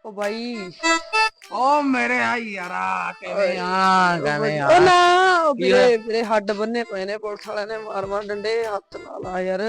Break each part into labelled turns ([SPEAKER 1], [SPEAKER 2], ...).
[SPEAKER 1] ओ भाई
[SPEAKER 2] ओ मेरे यारा किवें किवें
[SPEAKER 1] ओ ना
[SPEAKER 2] की होया?
[SPEAKER 1] मेरे हड्ड बन्ने पे ने पुलिस वाले ने मार मार डंडे हत्थ ना ला यार।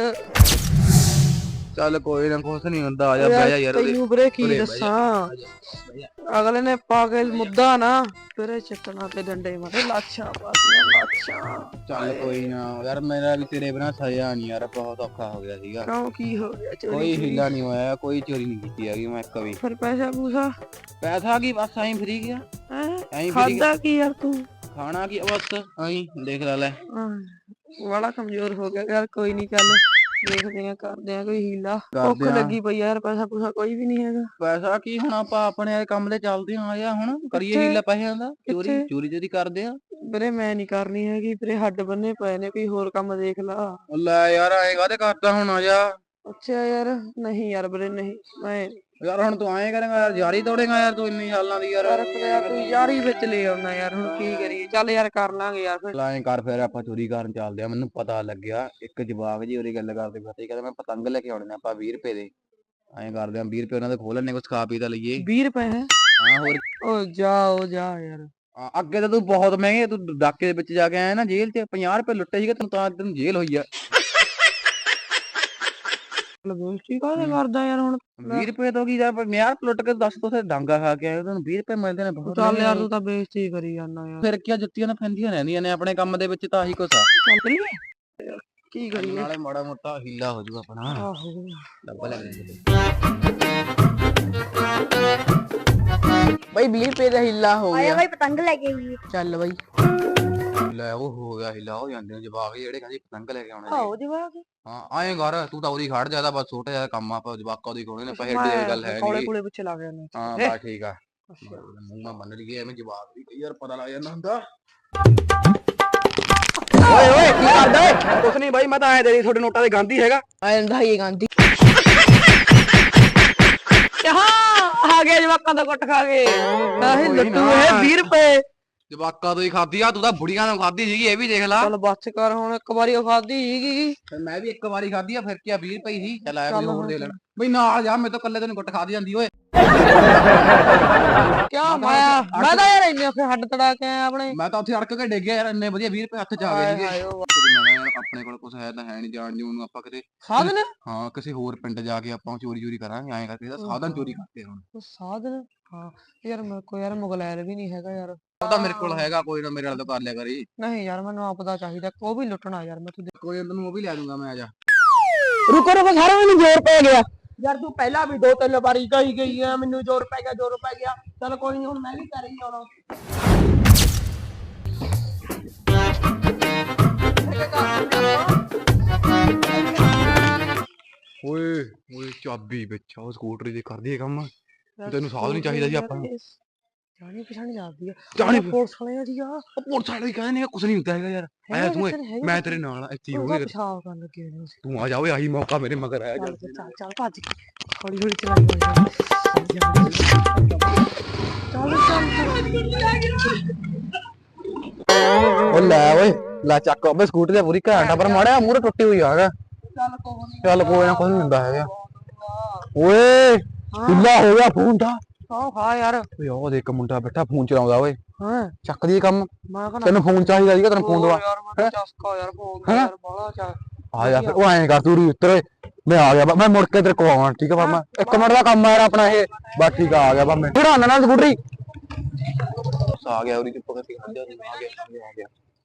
[SPEAKER 2] चल कोई ना कुछ नहीं होंदा
[SPEAKER 1] ओ
[SPEAKER 2] आजा
[SPEAKER 1] यार
[SPEAKER 2] बह जा यार
[SPEAKER 1] तैनू वीरे की
[SPEAKER 2] उरे बह जा
[SPEAKER 1] दसां
[SPEAKER 2] बह जा।
[SPEAKER 1] अगले ने पाके मुद्दा ना फिर चटना ते डंडे मारे लाछा पातियां लाछा।
[SPEAKER 2] चल कोई ना यार मेरा भी तेरे बिना सजा नहीं यार बहुत औखा हो गया सीगा।
[SPEAKER 1] क्यों की हो गया चोरी
[SPEAKER 2] कोई
[SPEAKER 1] चोरी
[SPEAKER 2] हीला नहीं होया कोई चोरी नहीं की हैगी मैं कभी।
[SPEAKER 1] फिर पैसा पूसा
[SPEAKER 2] पैसा की बस आई फ्री गया आई फ्री
[SPEAKER 1] खादा की यार तू
[SPEAKER 2] खाना की बस आई देख ले
[SPEAKER 1] बड़ा कमजोर हो गया यार। कोई नहीं चल देखते हैं करते हैं कोई हीला। भुख
[SPEAKER 2] ਕਰਦੇ ਆ
[SPEAKER 1] लगी पई यार पैसा पूसा कोई भी नहीं हैगा।
[SPEAKER 2] ਪੈਸਾ ਕੀ ਹੁਣ ਆਪਾਂ ਆਪਣੇ ਕੰਮ ਤੇ ਚੱਲਦੇ ਆ ਯਾ ਹੁਣ ਕਰੀਏ
[SPEAKER 1] ਕਿੱਥੇ
[SPEAKER 2] ਹੀਲਾ ਪੈਸਿਆਂ ਦਾ ਚੋਰੀ
[SPEAKER 1] ਕਿੱਥੇ
[SPEAKER 2] ਚੋਰੀ ਚੋਰੀ ਕਰਦੇ ਆ।
[SPEAKER 1] ਵੀਰੇ ਮੈਂ ਨਹੀਂ ਕਰਨੀ ਹੈਗੀ ਵੀਰੇ ਹੱਡ ਬੰਨੇ ਪਏ ਨੇ ਕੋਈ ਹੋਰ ਕੰਮ ਦੇਖ ਲਾ।
[SPEAKER 2] ਲੈ ਯਾਰ ਐਂ ਕਾਹਦੇ ਕਰਦਾ ਹੁਣ ਆ ਜਾ
[SPEAKER 1] ਅੱਛਾ ਯਾਰ ਨਹੀਂ ਯਾਰ ਵੀਰੇ ਨਹੀਂ ਮੈਂ
[SPEAKER 2] ਯਾਰ ਹੁਣ ਤੂੰ ਐਂ ਕਰੇਂਗਾ ਯਾਰ ਯਾਰੀ ਤੋੜੇਗਾ ਯਾਰ ਤੂੰ ਇੰਨੀ ਸਾਲਾਂ ਦੀ ਯਾਰ
[SPEAKER 1] ਯਾਰ ਤੂੰ ਯਾਰ ਹੀ ਵਿੱਚ ਲੈ ਆਉਣਾ ਯਾਰ ਹੁਣ ਕੀ ਕਰੀਏ ਚੱਲ ਯਾਰ ਕਰ ਲਾਂਗੇ ਯਾਰ ਫਿਰ।
[SPEAKER 2] ਐਂ ਕਰ ਫਿਰ ਆਪਾਂ ਚੋਰੀ ਕਰਨ ਚੱਲਦੇ ਆ ਮੈਨੂੰ ਪਤਾ ਲੱਗਿਆ ਇੱਕ ਜਵਾਕ ਜੀ ਉਹਦੀ ਗੱਲ ਕਰਦੇ ਪਤਾ ਕਹਿੰਦਾ ਮੈਂ ਪਤੰਗ ਲੈ ਕੇ ਆਉਣੇ ਨੇ ਆਪਾਂ 20 ਰੁਪਏ ਦੇ ਐਂ ਕਰਦੇ ਆ 20 ਰੁਪਏ ਉਹਨਾਂ ਦੇ ਖੋਲ ਲੈਣੇ ਕੁਛ ਖਾ ਪੀ ਤਾਂ ਲਈਏ
[SPEAKER 1] 20 ਰੁਪਏ ਹੈ
[SPEAKER 2] ਹਾਂ ਹੋਰ
[SPEAKER 1] ਓ ਜਾ ਯਾਰ।
[SPEAKER 2] ਅੱਗੇ ਤਾਂ ਤੂੰ ਬਹੁਤ ਮਹਿੰਗੇ ਤੂੰ ਡਾਕੇ ਦੇ ਵਿੱਚ ਜਾ ਕੇ ਆਇਆ ਨਾ ਜੇਲ੍ਹ 'ਚ 50 ਰੁਪਏ ਲੁੱਟੇ ਸੀਗੇ ਤੈਨੂੰ ਜੇਲ੍ਹ ਹੋਈ ਆ
[SPEAKER 1] ਬੇਇੱਜ਼ਤੀ ਕਾਹਦੇ ਕਰਦਾ ਯਾਰ ਹੁਣ
[SPEAKER 2] 20 ਰੁਪਏ ਤੋਂ ਕੀ ਯਾਰ 50 ਲੁੱਟ ਕੇ ਦੱਸ ਤੂੰ ਡਾਂਗਾ ਖਾ ਕੇ ਆਇਆ ਤੁਹਾਨੂੰ 20 ਰੁਪਏ ਮਿਲਦੇ ਨੇ ਬਹੁਤ
[SPEAKER 1] ਚੱਲ ਯਾਰ ਤੂੰ ਤਾਂ ਬੇਇੱਜ਼ਤੀ ਕਰੀ ਜਾਂਦਾ ਯਾਰ।
[SPEAKER 2] ਫਿਰ ਕੀ ਜੁੱਤੀਆਂ ਨਾ ਫੈਂਦੀਆਂ ਰਹਿੰਦੀਆਂ ਨੇ ਆਪਣੇ ਕੰਮ ਦੇ ਵਿੱਚ ਤਾਂ ਆਹੀ ਕੁਛ ਆ
[SPEAKER 1] ਚੱਲ ਕਰੀਏ ਕੀ ਕਰੀਏ
[SPEAKER 2] ਨਾਲੇ ਮਾੜਾ ਮੋਟਾ ਹੀਲਾ ਹੋ ਜਾਊਗਾ ਆਪਣਾ
[SPEAKER 1] ਆਹੋ
[SPEAKER 2] ਡੱਬਾ ਲੈ
[SPEAKER 1] ਬਈ 20 ਰੁਪਏ ਦਾ ਹਿੱਲਾ ਹੋ
[SPEAKER 3] ਆਇਆ
[SPEAKER 1] ਗਿਆ।
[SPEAKER 3] ਭਾਈ ਪਤੰਗ ਲੈ ਕੇ ਆਈਏ।
[SPEAKER 1] ਚੱਲ ਬਈ
[SPEAKER 2] ਲੈ ਉਹ ਹੋ ਗਿਆ ਹਿੱਲਾ ਹੋ ਜਾਂਦੇ ਨੇ ਜਵਾਕ ਜਿਹੜੇ ਕਹਿੰਦੇ ਪਤੰਗ ਲੈ ਕੇ ਆਉਣੇ ਨੇ
[SPEAKER 1] ਆਓ ਜਵਾਕ
[SPEAKER 2] ਹਾਂ ਆਏ ਘਰ ਤੂੰ ਤਾਂ ਉਹਦੀ ਖੜ ਜਾਦਾ ਬਸ ਛੋਟਾ ਜਿਹਾ ਕੰਮ ਆ ਆਪਾਂ ਜਵਾਕਾਂ ਦੀ ਕੋਣੇ ਨੇ ਪੈਸੇ ਦੀ ਗੱਲ ਹੈ
[SPEAKER 1] ਕੋਲੇ
[SPEAKER 2] ਨਹੀਂ
[SPEAKER 1] ਕੋਲੇ ਪਿੱਛੇ ਲੱਗ ਜਾਂਦੇ
[SPEAKER 2] ਹਾਂ ਬਸ ਠੀਕ ਆ ਮੂੰਹ ਮੈਂ ਮੰਨ ਲਈਏ ਐਵੇਂ ਜਵਾਬ ਵੀ ਕਈ ਵਾਰ ਪਤਾ ਲੱਗ ਜਾਂਦਾ ਹੁੰਦਾ ਓਏ ਓਏ ਕੀ ਕਰਦਾ ਓਏ ਕੁਛ ਨਹੀਂ ਬਾਈ ਮੈਂ ਤਾਂ ਆਇਆ ਤੇਰੀ ਤੁਹਾਡੇ ਨੋਟਾਂ ਦੇ ਗਾਂਧੀ ਹੈਗਾ
[SPEAKER 1] ਆਂਦਾ ਹੀ ਗਾਂਧੀ ਆ ਗਿਆ ਜਵਾਕਾਂ ਦਾ ਕੁੱਟ ਖਾ ਕੇ ਆਹੀ ਲੱਟੂ ਇਹ 20 ਰੁਪਏ
[SPEAKER 2] ਜਵਾਕਾਂ ਤੋਂ ਹੀ ਖਾਧੀ ਆ ਤੂੰ ਤਾਂ ਬੁੜੀਆਂ ਨੂੰ ਖਾਧੀ ਸੀਗੀ ਇਹ ਵੀ ਦੇਖ ਲਾ
[SPEAKER 1] ਚੱਲ ਬੱਸ ਕਰ ਹੁਣ ਇੱਕ ਵਾਰੀ ਉਹ ਖਾਧੀ ਸੀਗੀ
[SPEAKER 2] ਫਿਰ ਮੈਂ ਵੀ ਇੱਕ ਵਾਰੀ ਖਾਧੀ ਆ ਫਿਰ ਕੀ ਆ 20 ਰੁਪਏ ਸੀ ਚੱਲ ਆਇਆ ਕੋਈ ਹੋਰ ਦੇ ਲੈਣਾ ਬਈ ਨਾਲ ਜਾ ਮੇਰੇ ਤੋਂ ਕੱਲੇ ਤੈਨੂੰ ਗੁੱਟ ਖਾਦੀ ਜਾਂਦੀ ਓਏ
[SPEAKER 1] ਕਿਉਂ ਮੈਂ ਤਾਂ ਯਾਰ ਇੰਨੇ ਔਖੇ ਹੱਡ ਤੜਾ ਕੇ ਆਇਆ ਆਪਣੇ
[SPEAKER 2] ਮੈਂ ਤਾਂ ਉੱਥੇ ਅੜਕ ਕੇ ਡਿੱਗ ਗਿਆ ਯਾਰ ਇੰਨੇ ਵਧੀਆ 20 ਰੁਪਏ ਹੱਥ ਚ ਆ ਗਏ ਸੀਗੇ
[SPEAKER 1] ਹਾਏ ਓ
[SPEAKER 2] ਮੈਂ ਆਪਣੇ ਕੋਲ ਕੁਝ ਹੈ ਤਾਂ ਹੈ ਨਹੀਂ ਜਾਣ ਜੂਣ ਨੂੰ ਆਪਾਂ ਕਿਤੇ
[SPEAKER 1] ਸਾਧਨ
[SPEAKER 2] ਹਾਂ ਕਿਸੇ ਹੋਰ ਪਿੰਡ ਜਾ ਕੇ ਆਪਾਂ ਚੋਰੀ ਕਰਾਂਗੇ ਐਂ ਕਰਕੇ ਇਹਦਾ ਸਾਧਨ ਚੋਰੀ ਕਰਦੇ ਹੁਣ
[SPEAKER 1] ਸਾਧਨ ਹਾਂ ਯਾਰ ਮੇਰੇ ਕੋਲ ਯਾਰ ਮੁਗਲੈਰ ਵੀ ਨਹੀਂ ਹੈਗਾ ਯਾਰ
[SPEAKER 2] ਉਹ ਤਾਂ ਮੇਰੇ ਕੋਲ ਹੈਗਾ ਕੋਈ ਨਾ ਮੇਰੇ ਨਾਲ ਤਾਂ ਕਰ ਲਿਆ ਕਰੀ
[SPEAKER 1] ਨਹੀਂ ਯਾਰ ਮੈਨੂੰ ਆਪਦਾ ਚਾਹੀਦਾ ਉਹ ਵੀ ਲੁੱਟਣਾ ਯਾਰ ਮੈਂ ਤੂੰ
[SPEAKER 2] ਕੋਈ ਨਾ ਤੈਨੂੰ ਉਹ ਵੀ ਲੈ ਦੂੰਗਾ ਮੈਂ ਆ ਜਾ
[SPEAKER 1] ਰੁਕੋ ਸਾਰਾ ਮੈਨੂੰ ਜ਼ੋਰ ਪੈ ਗਿਆ ਯਾਰ ਤੂੰ ਪਹਿਲਾਂ ਵੀ 2-3 ਵਾਰੀ ਗਈ ਆ ਮੈਨੂੰ ਜ਼ੋਰ ਪੈ ਗਿਆ ਚਲ ਕੋਈ ਨਹੀਂ ਹੁਣ ਮੈਂ ਵੀ ਕਰ ਹੀ ਆਉਣਾ
[SPEAKER 2] ਓਏ ਓਏ ਚਾਬੀ ਵਿੱਚ ਉਹ ਸਕੂਟਰੀ ਦੇ ਕਰਦੀ ਹੈ ਕੰਮ ਤੈਨੂੰ ਸਾਧ ਨਹੀਂ ਚਾਹੀਦਾ ਸੀ ਆਪਾਂ ਨੂੰ
[SPEAKER 1] ਜਾਣੀ ਪਛਾਣੀ ਜਾਂਦੀ ਆ
[SPEAKER 2] ਜਾਣੀ
[SPEAKER 1] ਪੁਲਿਸ ਵਾਲਿਆਂ ਦੀ ਆ
[SPEAKER 2] ਉਹ ਪੁਲਿਸ ਵਾਲੇ ਕਹਿੰਦੇ ਨੇ ਕੁਝ ਨਹੀਂ ਹੁੰਦਾ ਹੈਗਾ ਯਾਰ ਆਇਆ ਤੂੰ ਮੈਂ ਤੇਰੇ ਨਾਲ ਆ, ਇੱਥੇ ਹੀ ਹੋਊਂਗੇ
[SPEAKER 1] ਪਿਸ਼ਾਬ ਕਰਨ ਲੱਗੇ ਨੇ
[SPEAKER 2] ਤੂੰ ਆ ਜਾ ਓਏ ਆਹੀ ਮੌਕਾ ਮੇਰੇ ਮਗਰ ਆਇਆ ਜਾ
[SPEAKER 1] ਚੱਲ ਭੱਜ ਹੌਲੀ ਹੌਲੀ ਚਲਾਈ
[SPEAKER 2] ਉਹ ਲੈ ਓਏ ਲੈ ਚੱਕ ਓਏ ਸਕੂਟਰੀ ਤੇ ਪੂਰੀ ਘੰਟਾ ਪਰ ਮਾੜਿਆ ਮੂਹਰੇ ਟੁੱਟੀ ਹੋਈ ਆ ਹੈਗਾ ਚੱਲ ਕੋਈ ਨਾ ਕੁਝ ਨਹੀਂ ਹੁੰਦਾ ਹੈਗਾ ਓਏ ਢਿੱਲਾ ਹੋ ਗਿਆ ਫੋਨ ਦਾ
[SPEAKER 1] ਹਾਂ ਯਾਰ
[SPEAKER 2] ਓਏ ਉਹ ਦੇਖ ਮੁੰਡਾ ਬੈਠਾ ਫੋਨ ਚਲਾਉਂਦਾ ਓਏ
[SPEAKER 1] ਹਾਂ
[SPEAKER 2] ਚੱਕ ਦੀ ਕੰਮ
[SPEAKER 1] ਮੈਂ ਕਹਿੰਦਾ
[SPEAKER 2] ਤੈਨੂੰ ਫੋਨ ਚਾਹੀਦਾ ਸੀਗਾ ਤੈਨੂੰ ਫੋਨ ਦਵਾ
[SPEAKER 1] ਯਾਰ ਮੈਂ ਚਸਕਾ ਯਾਰ ਫੋਨ ਯਾਰ ਬਾਲਾ ਚਾ
[SPEAKER 2] ਆ ਜਾ ਫਿਰ ਉਹ ਐਂ ਕਰ ਤੂੰ ਉੱਤਰ ਓਏ ਮੈਂ ਆ ਗਿਆ ਮੈਂ ਮੁੜ ਕੇ ਤੇਰੇ ਕੋਲ ਆਵਾਂ ਠੀਕ ਆ ਬਾਬਾ 1 ਮਿੰਟ ਦਾ ਕੰਮ ਆ ਯਾਰ ਆਪਣਾ ਇਹ ਬਸ ਠੀਕ ਆ ਗਿਆ ਬਾ ਮੈਂ ਖੜਾਉਣਾ ਨਾਲ ਸਕੂਟਰੀ ਆ ਗਿਆ ਉਹਦੀ ਚੁੱਪ ਕਰਕੇ ਆ ਗਿਆ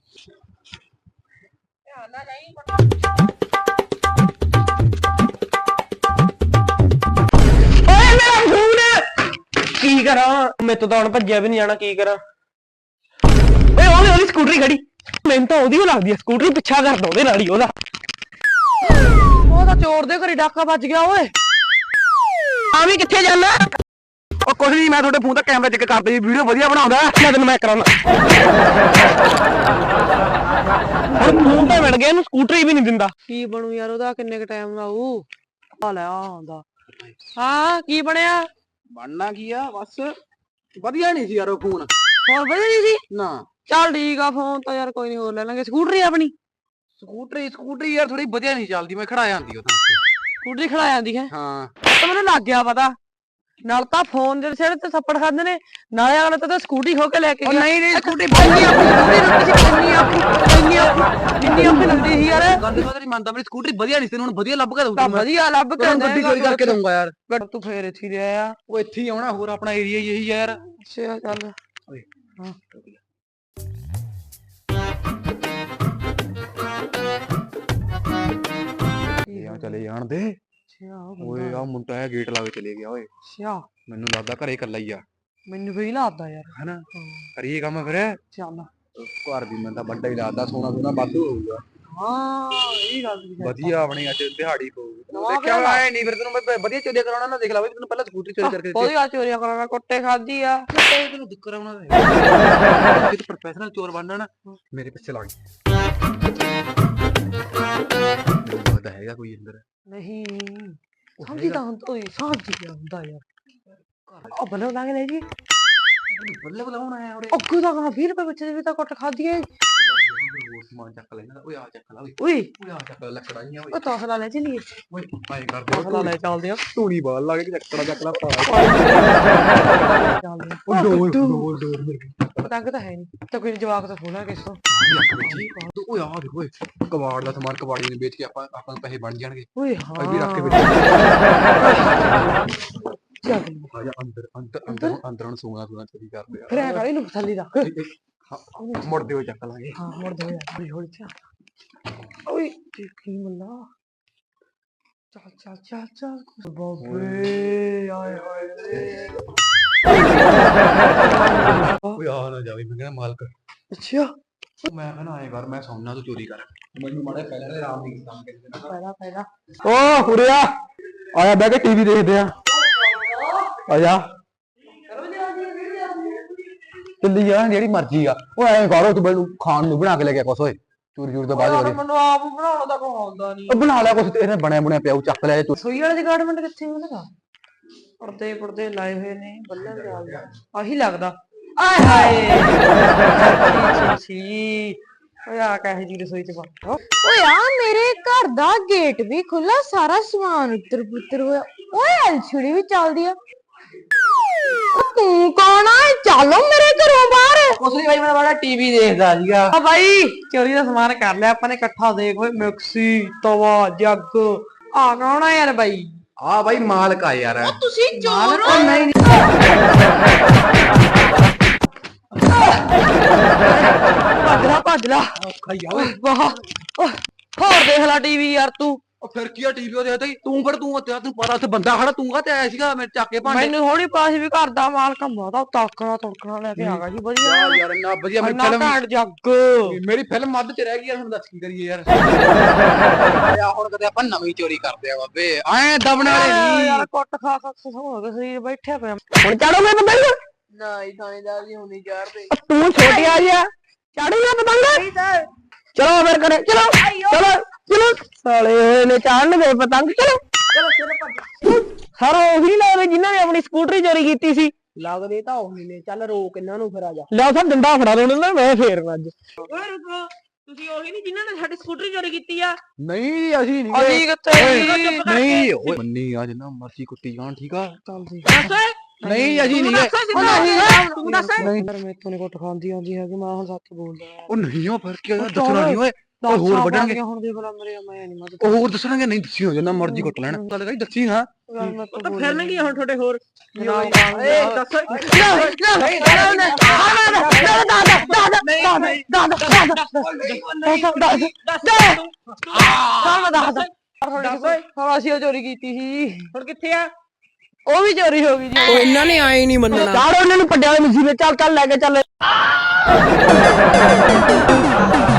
[SPEAKER 1] ਓਏ ਮੇਰਾ ਫੋਨ ਕੀ ਕਰਾਂ ਮੈਂ ਤਾਂ ਹੁਣ ਭੱਜਿਆ ਵੀ ਨਹੀਂ ਜਾਣਾ ਕੀ ਕਰਾਂ ਓਏ ਉਹਦੀ ਸਕੂਟਰੀ ਖੜੀ ਮੈਨੂੰ ਤਾਂ ਉਹਦੀ ਲੱਗਦੀ ਆ ਸਕੂਟਰੀ ਪਿੱਛਾ ਕਰਦਾ ਉਹਦੇ ਨਾਲ ਹੀ ਉਹਦਾ ਉਹ ਤਾਂ ਚੋਰ ਦੇ ਘਰੇ ਡਾਕਾ ਵੱਜ ਗਿਆ ਓਏ ਆ ਵੀ ਕਿੱਥੇ ਜਾਣਾ
[SPEAKER 2] ਉਹ ਕੁਝ ਨਹੀਂ ਮੈਂ ਤੁਹਾਡੇ ਫੋਨ ਦਾ ਕੈਮਰਾ ਚੈੱਕ ਕਰਦਾ ਜੀ ਵੀਡੀਓ ਵਧੀਆ ਬਣਾਉਂਦਾ
[SPEAKER 1] ਮੈਂ ਤੈਨੂੰ ਮੈਂ ਕਰਾਉਣਾ ਹੁਣ ਫੋਨ ਤਾਂ ਮਿਲ ਗਿਆ ਇਹਨੂੰ ਸਕੂਟਰੀ ਵੀ ਨਹੀਂ ਦਿੰਦਾ ਕੀ ਬਣੂ ਯਾਰ ਉਹਦਾ ਕਿੰਨੇ ਕ ਟਾਈਮ ਲਾਊ ਆ ਲੈ ਆਉਂਦਾ ਹਾਂ ਕੀ ਬਣਿਆ
[SPEAKER 2] ਬਣਨਾ ਕੀ ਆ ਬਸ ਵਧੀਆ ਨਹੀਂ ਸੀ ਯਾਰ ਉਹ ਫੋਨ
[SPEAKER 1] ਹੋਰ ਵਧੀਆ ਨਹੀਂ ਸੀ
[SPEAKER 2] ਨਾ
[SPEAKER 1] ਚੱਲ ਠੀਕ ਆ ਫੋਨ ਤਾਂ ਯਾਰ ਕੋਈ ਨਹੀਂ ਹੋਰ ਲੈ ਲਾਂਗੇ ਸਕੂਟਰੀ ਆਪਣੀ
[SPEAKER 2] ਸਕੂਟਰੀ ਯਾਰ ਥੋੜੀ ਵਧੀਆ ਨਹੀਂ ਚੱਲਦੀ ਮੈਂ ਖੜਾ ਜਾਂਦੀ ਉਹ ਤਾਂ
[SPEAKER 1] ਸਕੂਟਰੀ ਖੜਾ ਜਾਂਦੀ ਹੈ
[SPEAKER 2] ਹਾਂ
[SPEAKER 1] ਤਾਂ ਮੈਨੂੰ ਲੱਗ ਗਿਆ ਪਤਾ ਨਾਲ ਤਾਂ ਫੋਨ ਦੇ ਸਿਰ ਤੇ ਥੱਪੜ ਖਾਂਦੇ ਨੇ, ਨਾਲੇ ਅਗਲੇ ਤਾਂ ਸਕੂਟੀ ਖੋ ਕੇ ਲੈ ਕੇ
[SPEAKER 2] ਉਹ
[SPEAKER 1] ਗਿਆ।
[SPEAKER 2] ਨਹੀਂ ਨਹੀਂ ਸਕੂਟੀ
[SPEAKER 1] ਇੰਨੀ ਆਪਣੀ ਲੱਗਦੀ ਸੀ ਯਾਰ।
[SPEAKER 2] ਗੱਲ ਤਾਂ ਨਹੀਂ ਮੰਨਦਾ, ਮੇਰੀ ਸਕੂਟਰੀ ਵਧੀਆ ਨਹੀਂ ਸੀ, ਹੁਣ ਵਧੀਆ ਲੱਭ ਕੇ
[SPEAKER 1] ਤਾਂ
[SPEAKER 2] ਦਊਂਗਾ।
[SPEAKER 1] ਵਧੀਆ ਲੱਭ ਕੇ
[SPEAKER 2] ਗੱਡੀ ਚੋਰੀ ਕਰਕੇ ਦਊਂਗਾ ਯਾਰ।
[SPEAKER 1] ਤੂੰ ਫੇਰ ਇੱਥੇ ਹੀ ਰਿਹਾ ਆ।
[SPEAKER 2] ਉਹ ਇੱਥੇ ਹੀ ਆਉਣਾ, ਹੋਰ ਆਪਣਾ ਏਰੀਆ ਹੀ ਇਹੀ ਯਾਰ।
[SPEAKER 1] ਅੱਛਾ ਚੱਲ।
[SPEAKER 2] ਓਏ
[SPEAKER 1] ਹਾਂ
[SPEAKER 2] ਯਾਰ ਚਲੇ ਜਾਣ ਦੇ। ਓਏ ਆ ਮੁੰਡਾ ਆ ਗੇਟ ਲਾ ਕੇ ਚਲੇ ਗਿਆ ਓਏ।
[SPEAKER 1] ਅੱਛਾ
[SPEAKER 2] ਮੈਨੂੰ ਲੱਗਦਾ ਘਰੇ ਇਕੱਲਾ ਹੀ ਆ,
[SPEAKER 1] ਮੈਨੂੰ ਵੀ ਲੱਗਦਾ ਯਾਰ।
[SPEAKER 2] ਹੈਨਾ? ਕਰੀਏ ਕੰਮ ਫਿਰ।
[SPEAKER 1] ਚੱਲ
[SPEAKER 2] ਘਰ ਵੀ ਮੈਨੂੰ ਤਾਂ ਵੱਡਾ ਹੀ ਲੱਗਦਾ, ਸੋਨਾ ਸੋਨਾ ਵਾਧੂ ਹੋਊਗਾ।
[SPEAKER 1] ਹਾਂ ਇਹ ਗੱਲ ਵੀ ਹੈ।
[SPEAKER 2] ਵਧੀਆ ਆਪਣੀ ਅੱਜ ਦਿਹਾੜੀ ਪਊਗੀ।
[SPEAKER 1] ਨਵਾਂ
[SPEAKER 2] ਦੇਖਿਆ
[SPEAKER 1] ਵਿਆਹ
[SPEAKER 2] ਆਏ ਨਹੀਂ, ਫਿਰ ਤੈਨੂੰ ਮੈਂ ਵਧੀਆ ਚੋਰੀਆਂ ਕਰਾਉਣਾ ਨਾ, ਦੇਖ ਲਾ ਬਈ ਤੈਨੂੰ ਪਹਿਲਾਂ ਸਕੂਟਰੀ ਚੋਰੀ ਕਰਕੇ
[SPEAKER 1] ਕੋਈ ਗੱਲ ਚੋਰੀਆਂ ਕਰਾਉਣਾ, ਕੁੱਟੇ ਖਾਦੀ ਆ।
[SPEAKER 2] ਤੈਨੂੰ ਦਿੱਕਤ ਕਰਾਉਣਾ ਜੇ ਤੂੰ ਪ੍ਰੋਫੈਸ਼ਨਲ ਚੋਰ ਬਣਨਾ ਨਾ, ਮੇਰੇ ਪਿੱਛੇ ਲੱਗ। ਮੈਨੂੰ ਲੱਗਦਾ ਹੈਗਾ ਕੋਈ ਅੰਦਰ।
[SPEAKER 1] ਨਹੀਂ ਸਮਝੀ ਤਾਂ ਹੁੰਦਾ ਓਏ, ਸਮਝੀ ਹੁੰਦਾ ਯਾਰ। ਉਹ ਬਲੋ ਲੱਗ ਲੈ ਜੀ,
[SPEAKER 2] ਬੱਲੇ ਬਲਾਉਣ ਆਇਆ ਉਰੇ।
[SPEAKER 1] ਅੱਗੂ ਦਾ 20 ਰੁਪਏ ਵਿੱਚ ਦੇ ਵੀ ਤਾਂ ਕੁੱਟ ਖਾਦੀ ਏ।
[SPEAKER 2] ਹੋਰ ਸਮਾਨ ਚੱਕ ਲੈਣਾ। ਓਏ ਆ ਚੱਕ ਲਾ ਓਏ।
[SPEAKER 1] ਓਏ
[SPEAKER 2] ਓਏ ਆ ਚੱਕ ਲੈ ਲੱਕੜਾਂ ਜੀਆਂ ਓਏ।
[SPEAKER 1] ਉਹ ਤੌਸਲਾ ਲੈ ਚਲੀਏ।
[SPEAKER 2] ਓਏ ਆਏ ਕਰਦੇ
[SPEAKER 1] ਤੌਸਲਾ ਲੈ ਚੱਲਦੇ ਆ।
[SPEAKER 2] ਧੂਣੀ ਬਾਲ ਲਾ ਕੇ ਲੱਕੜਾਂ ਚੱਕ ਲਾ ਪਾ।
[SPEAKER 1] ਚੱਲਦੇ
[SPEAKER 2] ਉਹ ਡੋਰ ਮੇਰੇ
[SPEAKER 1] ਪਤੰਗ ਤਾਂ ਹੈ ਨਹੀਂ ਤਾਂ ਕੋਈ ਜਵਾਕ ਤਾਂ ਖੋਲਾ ਕਿਸ ਤੋਂ।
[SPEAKER 2] ਓਏ ਆ ਦੇਖ ਓਏ, ਕਬਾੜ ਦਾ ਸਮਾਨ ਕਬਾੜੀ ਨੇ ਵੇਚ ਕੇ ਆਪਾਂ ਨੂੰ ਪੈਸੇ ਬਣ ਜਾਣਗੇ।
[SPEAKER 1] ਓਏ
[SPEAKER 2] ਭਾਈ ਵੀ ਰੱਖ ਕੇ
[SPEAKER 1] ਚੱਲ
[SPEAKER 2] ਆ ਜਾ ਅੰਦਰ ਅੰਦਰ ਨੂੰ ਸੋਨਾ ਚੋਰੀ ਕਰਦੇ ਆ।
[SPEAKER 1] ਫਿਰ ਐ ਕਰ ਇਹਨੂੰ ਥੱਲੇ ਰੱਖ।
[SPEAKER 2] ਮੁੜਦੇ ਹੋਏ ਚੱਕ ਲਾਂਗੇ।
[SPEAKER 1] ਹਾਂ ਮੁੜ ਦੇ ਹੌਲੀ ਹੌਲੀ ਚੱਲ। ਓਏ ਦੇਖੀ ਮੱਲਾ। ਚੱਲ ਚੱਲ ਚੱਲ ਚੱਲ ਬਾਬੇ ਆਏ ਹਾਏ।
[SPEAKER 2] ਓਏ ਆ ਨਾ ਜਾਵੀ, ਮੈਂ ਕਹਿੰਦਾ ਮਾਲਕ।
[SPEAKER 1] ਅੱਛਾ
[SPEAKER 2] ਮੈਂ ਕਹਿੰਦਾ ਆਏ ਕਰ, ਮੈਂ ਸੌਣਾ ਤੂੰ ਚੋਰੀ ਕਰ। ਮੈਨੂੰ ਮਾੜੇ ਪਹਿਲਾਂ ਦੇ ਆਰਾਮ ਨਹੀਂ ਕੰਮ ਕਿਸੇ ਨਾਲ।
[SPEAKER 1] ਪਹਿਲਾਂ
[SPEAKER 2] ਓ ਉਰੇ ਆ, ਆਇਆ ਬਹਿ ਕੇ ਟੀਵੀ ਦੇਖਦੇ ਆ। ਆ ਜਾ ਚੱਲੀ ਜਾ ਜਿਹੜੀ ਮਰਜ਼ੀ ਆ। ਉਹ ਐਂ ਕਰੋ ਤੂੰ ਮੈਨੂੰ ਖਾਣ ਨੂੰ ਬਣਾ ਕੇ ਲੈ ਗਿਆ ਕੁਛ। ਓਏ ਚੋਰੀ ਚੋਰੀ ਤੋਂ ਬਾਅਦ ਕਰੀ।
[SPEAKER 1] ਮੈਨੂੰ ਆਪ ਬਣਾਉਣਾ ਤਾਂ ਕੋਈ ਆਉਂਦਾ ਨਹੀਂ।
[SPEAKER 2] ਉਹ ਬਣਾ ਲਿਆ ਕੁਛ, ਇਹਨੇ ਬਣਿਆ ਬਣਿਆ ਪਿਆ, ਉਹ ਚੱਕ ਲਿਆ ਤੂੰ।
[SPEAKER 1] ਸੋਈ ਵਾਲੇ ਦੀ ਗਾਰਡਮੈਂਟ ਕਿੱਥੇ ਉਹਦਾ? ਪਰਦੇ ਲਾਏ ਹੋਏ ਨੇ, ਬੱਲੇ ਦੇ ਆਹੀ ਲੱਗਦਾ। ਆਏ ਹਾਏ ਸੀ ਓਏ ਆ ਕਹੇ ਜੀ ਰਸੋਈ ਚ ਬੈਠਾ।
[SPEAKER 3] ਓਏ ਆ ਮੇਰੇ ਘਰ ਦਾ ਗੇਟ ਵੀ ਖੁੱਲਾ, ਸਾਰਾ ਸਮਾਨ ਉੱਤਰ ਪੁੱਤਰ ਹੋਇਆ। ਓਏ ਐਲਸੀਡੀ ਵੀ ਚੱਲਦੀ ਆ। ਤੂੰ ਕੌਣ ਆ? ਚੱਲੋ ਮੇਰੇ ਘਰੋਂ ਬਾਹਰ।
[SPEAKER 1] ਕੁਛ ਨਹੀਂ ਬਾਈ, ਮੈਂ ਬੜਾ ਟੀਵੀ ਦੇਖਦਾ ਸੀਗਾ। ਆ ਬਾਈ ਚੋਰੀ ਦਾ ਸਮਾਨ ਕਰ ਲਿਆ ਆਪਾਂ ਨੇ ਇਕੱਠਾ। ਦੇਖ ਓਏ ਮਿਕਸੀ, ਤਵਾ, ਜੱਗ। ਆ ਕੌਣ ਆ ਯਾਰ ਬਾਈ?
[SPEAKER 2] ਆ ਬਾਈ ਮਾਲਕ ਆ ਯਾਰ।
[SPEAKER 3] ਤੁਸੀਂ ਚੋਰ ਹੋ?
[SPEAKER 1] ਨਹੀਂ ਭੱਜ ਲਾ
[SPEAKER 2] ਔਖਾ ਹੀ ਆ ਓਏ।
[SPEAKER 1] ਵਾਹ ਹੋਰ ਦੇਖ ਲੈ ਟੀਵੀ ਯਾਰ ਤੂੰ।
[SPEAKER 2] ਉਹ ਫਿਰ ਕੀ ਆ ਟੀਵੀ ਉਹਦੇ ਤੇ ਤੂੰ ਫਿਰ ਤੂੰ ਤੈਨੂੰ ਪਤਾ ਉੱਥੇ ਬੰਦਾ ਖੜਾ, ਤੂੰ ਕਾ ਤੇ ਆਇਆ ਸੀਗਾ ਮੇਰੇ ਚੱਕ ਕੇ ਭਾਂਡੇ।
[SPEAKER 1] ਮੈਨੂੰ ਥੋੜੀ ਪਾਸ ਵੀ ਘਰ ਦਾ ਮਾਲਕ ਬਹੁਤਾ ਤੜਕਣਾ ਤੁੜਕਣਾ ਲੈ ਕੇ ਆ ਗਿਆ ਜੀ। ਵਧੀਆ
[SPEAKER 2] ਯਾਰ ਇੰਨਾ ਵਧੀਆ ਮੇਰੀ
[SPEAKER 1] ਇੰਨਾ
[SPEAKER 2] ਫਿਲਮ,
[SPEAKER 1] ਘੈਂਟ ਜੱਗ।
[SPEAKER 2] ਮੇਰੀ ਫਿਲਮ ਅੱਧ ਚ ਰਹਿ ਗਈ ਯਾਰ, ਹੁਣ ਦੱਸ ਕੀ ਕਰੀਏ ਯਾਰ। ਆ ਹੁਣ ਕਦੇ ਆਪਾਂ ਨਵੀਂ ਚੋਰੀ ਕਰਦੇ ਆ ਬਾਬੇ, ਐ ਦਬਣ ਵਾਲੇ ਨਹੀਂ।
[SPEAKER 1] ਯਾਰ ਕੁੱਟ ਖਾ ਹੋ ਗਿਆ ਸਰੀਰ ਬੈਠਿਆ ਪਿਆ। ਹੁਣ ਚੜੋਗੇ ਪਤੰਗ?
[SPEAKER 3] ਨਹੀਂ ਥਾਣੇਦਾਰ ਜੀ ਹੁਣੀ ਚੜਦੇ।
[SPEAKER 1] ਤੂੰ ਛੋਟਿਆ ਜਿਹਾ ਚੜੂਗਾ ਪਤੰਗ? ਚਲੋ ਫਿਰ ਕਰੇ, ਚਲੋ ਚਲੋ ਚਲੋ। ਸਾਲੇ ਹੋਏ ਨੇ ਚੜਨ ਦੇ ਪਤੰਗ। ਚਲੋ ਸਰ ਉਹੀ ਲੱਗਦੇ ਜਿਨ੍ਹਾਂ ਨੇ ਆਪਣੀ ਸਕੂਟਰੀ ਚੋਰੀ ਕੀਤੀ ਸੀ। ਲੱਗਦੇ ਤਾਂ ਉਹੀ ਨੇ। ਚੱਲ ਰੋਕ ਇਹਨਾਂ ਨੂੰ ਫਿਰ। ਆ ਜਾ ਲੈ ਸਰ ਡੰਡਾ ਫੜਾ ਦੋ ਨਾ, ਮੈਂ ਫੇਰਨਾ ਅੱਜ। ਓਏ ਰੁਕੋ, ਤੁਸੀਂ ਉਹੀ ਨਹੀਂ ਜਿਨ੍ਹਾਂ ਨੇ ਸਾਡੀ ਸਕੂਟਰੀ ਚੋਰੀ ਕੀਤੀ ਆ?
[SPEAKER 2] ਨਹੀਂ ਅਸੀਂ ਨਹੀਂ
[SPEAKER 1] ਅਸੀਂ ਕਿੱਥੇ?
[SPEAKER 2] ਨਹੀਂ ਓਏ ਮੰਨੀ ਆ ਜਿੰਨਾ ਮਰਜ਼ੀ ਕੁੱਟੀ ਜਾਣ, ਠੀਕ ਆ?
[SPEAKER 1] ਚੱਲ ਜੀ
[SPEAKER 2] ਨਹੀਂ ਅਸੀਂ ਨਹੀਂ
[SPEAKER 1] ਤੂੰ ਦੱਸ ਯਾਰ ਮੇਰੇ ਤੋਂ ਨੀ ਕੁੱਟ ਖਾਂਦੀ ਆਉਂਦੀ ਹੈਗੀ। ਮੈਂ ਹੁਣ ਸੱਚ ਬੋਲਦਾ ਯਾਰ।
[SPEAKER 2] ਉਹ ਨਹੀਂ ਉਹ ਫਿਰ ਕੀ ਹੋਇਆ, ਦੱਸਣਾ ਨਹੀਂ ਓਏ। ਉਹ ਹੋਰ ਵੱਢਣਗੇ
[SPEAKER 1] ਹੁਣ ਦੇਖ ਲੈ ਮੇਰੇ, ਮੈਂ ਨਹੀਂ ਮਦਦ।
[SPEAKER 2] ਉਹ ਹੋਰ ਦੱਸਣਗੇ। ਨਹੀਂ ਦੱਸੀ ਹੋ ਜਿੰਨਾ ਮਰਜ਼ੀ ਕੁੱਟ ਲੈਣ, ਗੱਲ ਕਰੀ ਦੱਸੀ ਨਾ।
[SPEAKER 1] ਤਾਂ ਫਿਰਨਗੇ ਹੁਣ ਤੁਹਾਡੇ ਹੋਰ। ਅਸੀਂ ਚੋਰੀ ਕੀਤੀ ਸੀ। ਹੁਣ ਕਿੱਥੇ ਆ? ਉਹ ਵੀ ਚੋਰੀ ਹੋ ਗਈ ਜੀ। ਇਹਨਾਂ ਨੇ ਆਏ ਨਹੀਂ ਮੰਨਣਾ। ਚਾੜ ਉਹਨਾਂ ਨੂੰ ਪੱਡਿਆਂ ਵਾਲੇ ਮਸੀਬੇ। ਚੱਲ ਚੱਲ ਲੈ ਕੇ ਚੱਲ।